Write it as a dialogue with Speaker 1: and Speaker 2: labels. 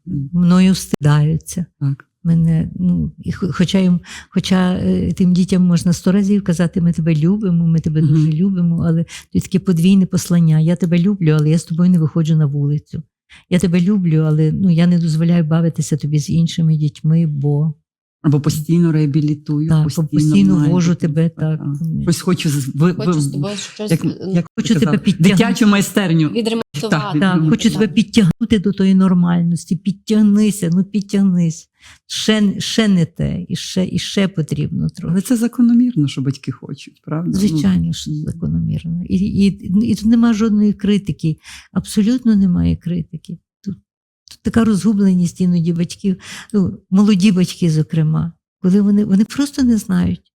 Speaker 1: мною встидаються.
Speaker 2: Так.
Speaker 1: Мене, хоча тим дітям можна 100 разів казати, ми тебе любимо, ми тебе дуже любимо, але тут таке подвійне послання. Я тебе люблю, але я з тобою не виходжу на вулицю. Я тебе люблю, але я не дозволяю бавитися тобі з іншими дітьми, бо...
Speaker 2: Або постійно реабілітую,
Speaker 1: так, постійно вожу тебе. Так.
Speaker 2: Ось хочу
Speaker 3: з тобою щось
Speaker 1: хочу тебе підтягнути.
Speaker 2: Дитячу майстерню.
Speaker 3: відремонтувати.
Speaker 1: Так, хочу тебе підтягнути до тої нормальності. Підтягнися, підтягнись. Ще не те, і ще потрібно трохи.
Speaker 2: Але це закономірно, що батьки хочуть, правда?
Speaker 1: Звичайно, що закономірно. І тут немає жодної критики. Абсолютно немає критики. Тут така розгубленість іноді батьків, молоді батьки, зокрема, коли вони просто не знають.